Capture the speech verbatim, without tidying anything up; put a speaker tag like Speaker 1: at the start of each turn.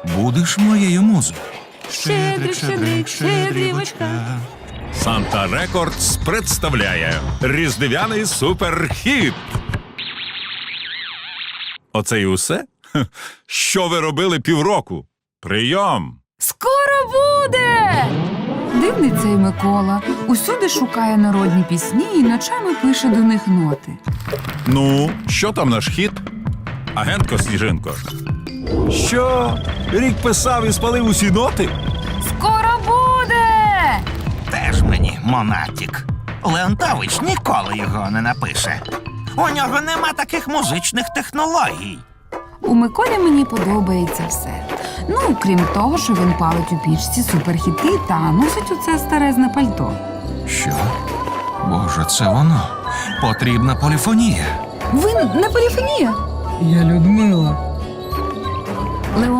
Speaker 1: будеш моєю музою.
Speaker 2: Щедрик, щедрик, щедрівочка.
Speaker 3: Санта Рекордс представляє різдвяний суперхіт. Оце і усе? Хе, що ви робили півроку? Прийом!
Speaker 2: Скоро буде!
Speaker 4: Дивний цей Микола. Усюди шукає народні пісні і ночами пише до них ноти.
Speaker 3: Ну, що там наш хіт? Агентко Сніжинко. Що? Рік писав і спалив усі ноти?
Speaker 4: Скоро буде!
Speaker 1: Теж мені монатік. Леонтович ніколи його не напише. У нього нема таких музичних технологій.
Speaker 4: У Миколі мені подобається все. Ну, крім того, що він палить у пічці суперхіти та носить оце старезне пальто.
Speaker 1: Що? Боже, це воно. Потрібна поліфонія.
Speaker 4: Ви не поліфонія?
Speaker 5: Я Людмила.